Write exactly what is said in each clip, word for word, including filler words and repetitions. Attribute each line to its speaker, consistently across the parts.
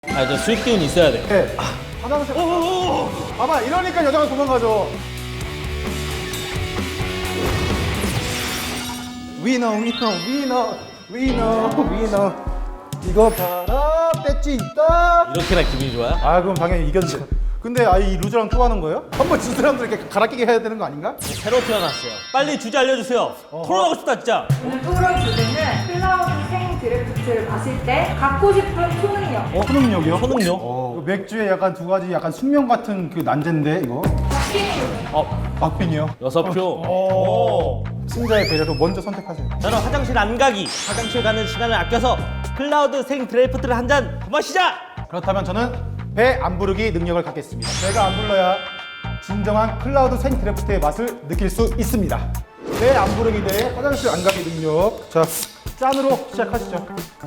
Speaker 1: 아, 저 술 기운 있어야 돼요.
Speaker 2: 네. 아, 화장실. 오오오. 봐봐, 이러니까 여자가 도망가죠. 위너, 위너, 위너, 위너, 위너. 이거 봐라, 배지 있다.
Speaker 1: 이렇게나 기분이 좋아요?
Speaker 2: 아, 그럼 당연히 이겼지. 근데 아, 이 루저랑 또 하는 거예요? 한번 진 사람들 이렇게 갈아끼게 해야 되는 거 아닌가?
Speaker 1: 새로 태어났어요. 빨리 주제 알려주세요. 토론하고 싶다 진짜.
Speaker 3: 오늘 토론 주제는 클라우드 생 드래프트를 마실 때 갖고 싶은 초능력.
Speaker 2: 어, 초능력이요?
Speaker 1: 초능력?
Speaker 2: 어, 맥주에 약간 두 가지 약간 숙명 같은 그 난제인데 이거.
Speaker 1: 어,
Speaker 2: 박빙이요.
Speaker 1: 여섯 표.
Speaker 2: 오. 승자의 배려로 먼저 선택하세요.
Speaker 1: 저는 화장실 안 가기. 화장실 가는 시간을 아껴서 클라우드 생 드래프트를 한 잔 마시자.
Speaker 2: 그렇다면 저는 배 안 부르기 능력을 갖겠습니다. 배가 안 불러야 진정한 클라우드 생 드래프트의 맛을 느낄 수 있습니다. 배 안 부르기 대 화장실 안 가기 능력. 자, 짠으로 시작하시죠.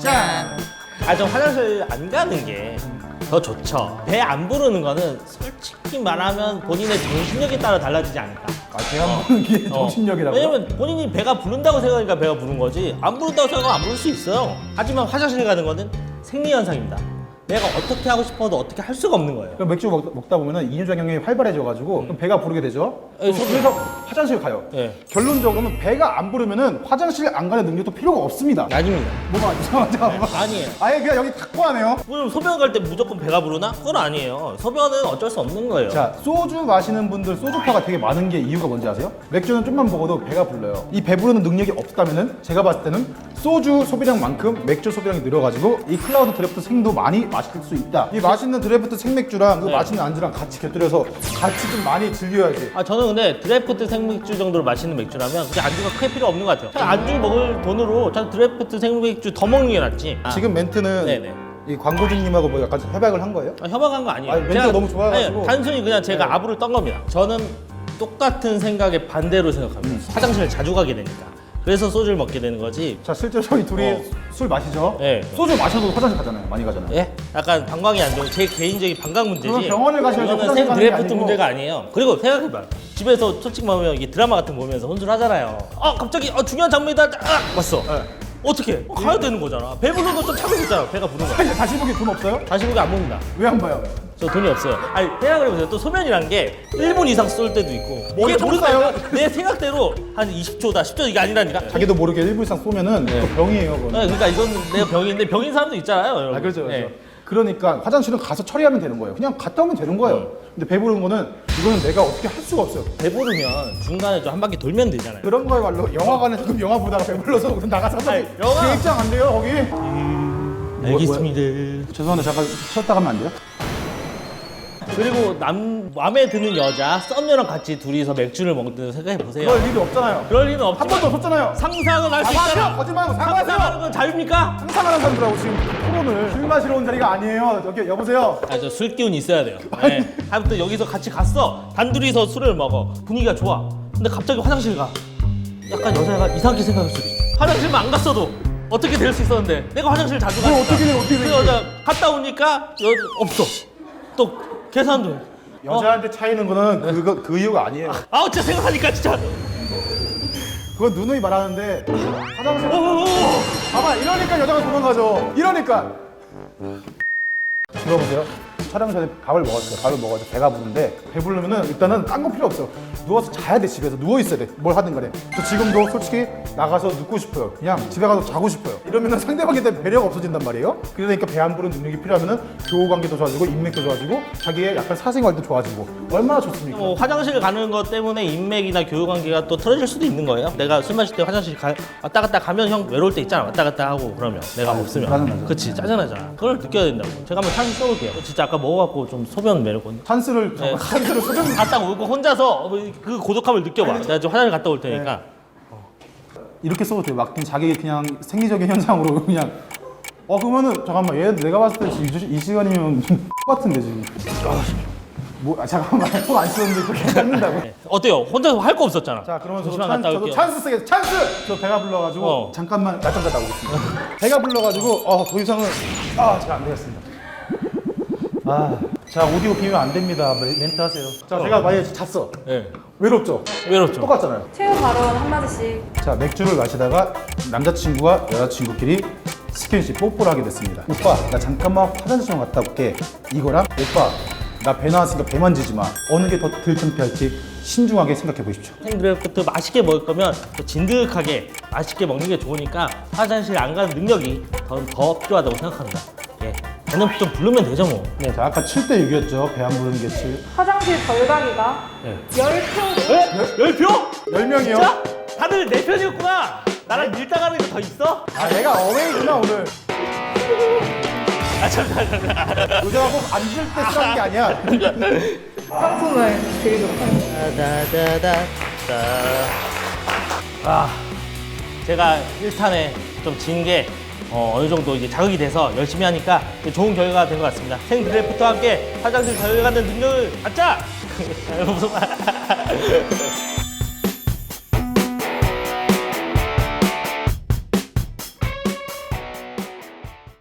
Speaker 2: 짠!
Speaker 1: 아, 저 화장실 안 가는 게 더 좋죠. 배 안 부르는 거는 솔직히 말하면 본인의 정신력에 따라 달라지지 않을까.
Speaker 2: 아, 배 안 부르는 게
Speaker 1: 어.
Speaker 2: 정신력이라고요?
Speaker 1: 왜냐면 본인이 배가 부른다고 생각하니까 배가 부른 거지, 안 부른다고 생각하면 안 부를 수 있어요. 하지만 화장실 가는 거는 생리현상입니다. 내가 어떻게 하고 싶어도 어떻게 할 수가 없는 거예요.
Speaker 2: 그럼 맥주 먹, 먹다 보면 이뇨작용이 활발해져가지고 그럼 배가 부르게 되죠.
Speaker 1: 예,
Speaker 2: 그럼 그래서 화장실 가요.
Speaker 1: 예.
Speaker 2: 결론적으로는 배가 안 부르면 화장실 안 가는 능력도 필요가 없습니다.
Speaker 1: 아닙니다.
Speaker 2: 뭐가 이상하죠?
Speaker 1: 아니에요.
Speaker 2: 아예 그냥 여기 확고하네요.
Speaker 1: 그럼 소변 갈 때 무조건 배가 부르나? 그건 아니에요. 소변은 어쩔 수 없는 거예요.
Speaker 2: 자, 소주 마시는 분들 소주파가 되게 많은 게 이유가 뭔지 아세요? 맥주는 좀만 먹어도 배가 불러요. 이 배부르는 능력이 없다면은 제가 봤을 때는 소주 소비량만큼 맥주 소비량이 늘어가지고 이 클라우드 드래프트 생도 많이 마실 수 있다. 이 맛있는 드래프트 생맥주랑 그
Speaker 1: 네.
Speaker 2: 맛있는 안주랑 같이 곁들여서 같이 좀 많이 즐겨야지.
Speaker 1: 아, 저는 근데 드래프트 생맥주 정도로 마시는 맥주라면 그게 안주가 크게 필요 없는 것 같아요. 그냥 안주 먹을 돈으로 저는 드래프트 생맥주 더 먹는 게 낫지. 아,
Speaker 2: 지금 멘트는
Speaker 1: 네네.
Speaker 2: 이 광고주님하고 뭐 약간 협약을 한 거예요?
Speaker 1: 아, 협박한 거 아니에요.
Speaker 2: 아니, 멘트가 너무 좋아가지고.
Speaker 1: 아니, 단순히 그냥 제가
Speaker 2: 네.
Speaker 1: 아부를 떤 겁니다. 저는 똑같은 생각에 반대로 생각합니다.
Speaker 2: 음.
Speaker 1: 화장실을 자주 가게 되니까. 그래서 소주를 먹게 되는 거지.
Speaker 2: 자, 실제로 저희 둘이
Speaker 1: 어.
Speaker 2: 술 마시죠?
Speaker 1: 네.
Speaker 2: 소주 마셔도 화장실 가잖아요. 많이 가잖아요.
Speaker 1: 예? 약간 방광이 안 좋은 제 개인적인 방광 문제지.
Speaker 2: 그건 병원을 가셔야지
Speaker 1: 이거는
Speaker 2: 화장실
Speaker 1: 생
Speaker 2: 가는 게
Speaker 1: 드래프트
Speaker 2: 아니고.
Speaker 1: 문제가 아니에요. 그리고 생각해봐. 집에서 솔직히 말하면 이게 드라마 같은 거 보면서 혼술하잖아요. 어, 갑자기 어, 중요한 장면이다. 아! 왔어.
Speaker 2: 네.
Speaker 1: 어떻게? 어, 가야 되는 거잖아. 배부른 거좀 참을 수 있잖아. 배가 부른 거.
Speaker 2: 이제 다시 보기 돈 없어요?
Speaker 1: 다시 보기 안 먹는다.
Speaker 2: 왜 안 봐요?
Speaker 1: 저 돈이 없어요. 아니, 생각을 해보세요. 또 소면이란 게 일 분 이상 쏠 때도 있고.
Speaker 2: 뭘
Speaker 1: 이게
Speaker 2: 모르겠어요.
Speaker 1: 모르겠어요. 내 생각대로 한 이십 초다, 십 초 이게 아니라니까.
Speaker 2: 자기도 모르게 일 분 이상 쏘면은
Speaker 1: 네.
Speaker 2: 그 병이에요. 그건.
Speaker 1: 네, 그러니까 이건 내가 병인데 병인 사람도 있잖아요, 여러분.
Speaker 2: 아, 그렇죠, 그렇죠.
Speaker 1: 네.
Speaker 2: 그러니까 화장실은 가서 처리하면 되는 거예요. 그냥 갔다 오면 되는 거예요. 근데 배부른 거는 이거는 내가 어떻게 할 수가 없어요.
Speaker 1: 배부르면 중간에 좀 한 바퀴 돌면 되잖아요.
Speaker 2: 그런 거야말로 영화관에서 그럼 영화 보다가 배불러서 그럼 나가서
Speaker 1: 아니, 영화-
Speaker 2: 계획장 안 돼요, 거기?
Speaker 1: 알겠습니다.
Speaker 2: 죄송한데 잠깐 쉬었다 가면 안 돼요?
Speaker 1: 그리고 남 마음에 드는 여자 썸녀랑 같이 둘이서 맥주를 먹는 생각해 보세요.
Speaker 2: 그럴 일이 없잖아요.
Speaker 1: 그럴 리는
Speaker 2: 한
Speaker 1: 없지만
Speaker 2: 번도 없었잖아요.
Speaker 1: 상상은 할 수 있잖아.
Speaker 2: 사과하세요. 거짓말하고
Speaker 1: 상상하는
Speaker 2: 사과하세요.
Speaker 1: 건 자유입니까?
Speaker 2: 상상하는 사람들하고 지금 토론을 술 마시러 온 자리가 아니에요. 여기 여보세요.
Speaker 1: 아, 저 술 기운 있어야 돼요. 네. 아무튼 여기서 같이 갔어. 단둘이서 술을 먹어. 분위기가 좋아. 근데 갑자기 화장실 가. 약간 여자가 이상하게 생각할 수도 있어. 화장실만 안 갔어도 어떻게 될 수 있었는데 내가 화장실 자주
Speaker 2: 그럼
Speaker 1: 가니까
Speaker 2: 어떻게 돼, 어떻게 돼,
Speaker 1: 그 여자 갔다 오니까 여 없어. 또 계산도 해.
Speaker 2: 여자한테 차이는 거는 그거 그 이유가 아니에요.
Speaker 1: 아, 진짜 생각하니까 진짜.
Speaker 2: 그건 누누이 말하는데 화장실
Speaker 1: 오!
Speaker 2: 봐봐 이러니까 여자가 도망가죠. 이러니까 들어보세요. 촬영 전에 밥을 먹었어요. 밥을 먹어서 배가 부른데 배부르면은 일단은 딴 거 필요 없어. 누워서 자야 돼. 집에서 누워 있어야 돼. 뭘 하든 간에. 저 지금도 솔직히 나가서 눕고 싶어요. 그냥 집에 가서 자고 싶어요. 이러면은 상대방에 대한 배려가 없어진단 말이에요. 그러니까 배 안 부르는 능력이 필요하면은 교우 관계도 좋아지고 인맥도 좋아지고 자기의 약간 사생활도 좋아지고 얼마나 좋습니까?
Speaker 1: 뭐 화장실 가는 것 때문에 인맥이나 교우 관계가 또 틀어질 수도 있는 거예요. 내가 술 마실 때 화장실 가, 왔다 갔다 가면 형 외로울 때 있잖아. 왔다 갔다 하고 그러면 내가 없으면
Speaker 2: 짜증나죠.
Speaker 1: 그치, 짜증나잖아. 그걸 느껴야 된다고. 제가 한번 찬스 써볼게요. 진짜 아까 먹어갖고 좀 소변 매력은
Speaker 2: 찬스를
Speaker 1: 네.
Speaker 2: 찬스를 소변
Speaker 1: 갔다 오고 혼자서 그 고독함을 느껴봐. 내가 좀 화장실 갔다 올 테니까.
Speaker 2: 이렇게 써도 돼요. 막 그냥 자기 그냥 생리적인 현상으로 그냥 어 그러면은 잠깐만 얘 내가 봤을 때 지금 이, 시- 이 시간이면 좀 같은데 지금 뭐 아, 잠깐만 손 안 쓰는데 그렇게 잡는다고?
Speaker 1: 네. 어때요? 혼자서 할 거 없었잖아.
Speaker 2: 자 그러면 저도,
Speaker 1: 잠시만
Speaker 2: 찬,
Speaker 1: 갔다
Speaker 2: 저도
Speaker 1: 올게요.
Speaker 2: 찬스 쓰게 찬스! 저 배가 불러가지고
Speaker 1: 어.
Speaker 2: 잠깐만 낮잠 자다 오겠습니다. 배가 불러가지고 어더 이상은 아 제가 안 되겠습니다. 아자 오디오 비면 안 됩니다. 멘- 멘트 하세요. 자 제가 만약에 잤어.
Speaker 1: 네.
Speaker 2: 외롭죠?
Speaker 1: 외롭죠.
Speaker 2: 똑같잖아요.
Speaker 3: 최후 발언 한마디씩.
Speaker 2: 자 맥주를 마시다가 남자친구와 여자친구끼리 스킨십 뽀뽀를 하게 됐습니다. 오빠 나 잠깐만 화장실 좀 갔다 올게. 이거랑 오빠 나 배 나왔으니까 배 만지지 마. 어느 게 더 덜 창피할지 신중하게 생각해 보십시오.
Speaker 1: 생드래프트 맛있게 먹을 거면 또 진득하게 맛있게 먹는 게 좋으니까 화장실 안 가는 능력이 더, 더 필요하다고 생각합니다. 예. 배는 좀 부르면 되죠 뭐.
Speaker 2: 네, 자 아까 칠 대 육이었죠. 배 안 부르는 게 칠.
Speaker 3: 화장실 덜 가기가
Speaker 1: 예.
Speaker 3: 열 표.
Speaker 1: 에? 열 표?
Speaker 2: 열 명이요?
Speaker 1: 진짜? 다들 내 편이었구나. 나랑 밀당하는 게 더 있어?
Speaker 2: 아 내가 어웨이구나 오늘.
Speaker 1: 아 잠깐 잠깐.
Speaker 2: 의자가 꼭 앉을 때 쓰라는 게 아니야.
Speaker 3: 상품을 드리도록 하겠습니다.
Speaker 1: 다다다다. 아, 제가 일 탄에 좀 진 게 어, 어느 정도 이게 자극이 돼서 열심히 하니까 좋은 결과가 된 것 같습니다. 생드래프트와 함께 화장실 잘 가는 능력을 갖자. 무슨 말?